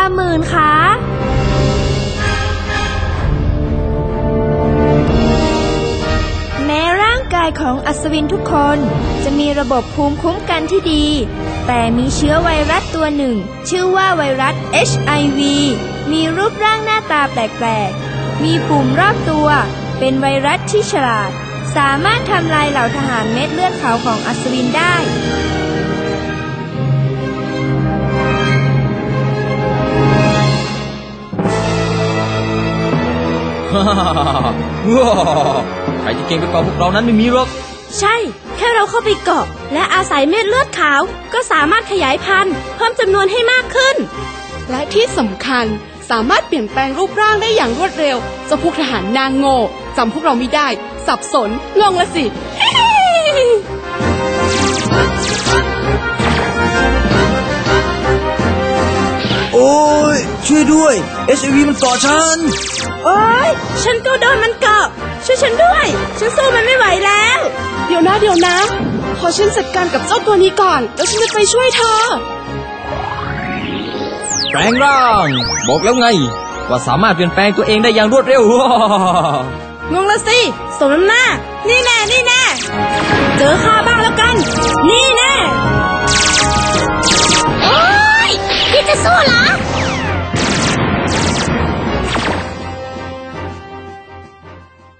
หมื่นขาแม้ร่างกายของอัศวินทุกคนจะมีระบบภูมิคุ้มกันที่ดีแต่มีเชื้อไวรัสตัวหนึ่งชื่อว่าไวรัส HIV มีรูปร่างหน้าตาแปลกๆมีปุ่มรอบตัวเป็นไวรัสที่ฉลาดสามารถทำลายเหล่าทหารเม็ดเลือดขาวของอัศวินได้ใครจะเก่งไปกว่าพวกเรานั้นไม่มีหรอกใช่แค่เราเข้าไปเกาะและอาศัยเม็ดเลือดขาวก็สามารถขยายพันธุ์เพิ่มจำนวนให้มากขึ้นและที่สำคัญสามารถเปลี่ยนแปลงรูปร่างได้อย่างรวดเร็วเจ้าพวกทหารนางโง่จำพวกเราไม่ได้สับสนงงละสิโอ้ยช่วยด้วย HIV มันเกาะฉันโอ้ยฉันก็โดนมันเกาะช่วยฉันด้วยฉันสู้มันไม่ไหวแล้วเดี๋ยวนะขอฉันจัดการกับเจ้าตัวนี้ก่อนแล้วฉันจะไปช่วยเธอแปลงร่างบอกแล้วไงว่าสามารถเปลี่ยนแปลงตัวเองได้อย่างรวดเร็วงงละสิสมน้ำหน้านี่แน่เจอข้าบ้างแล้วกัน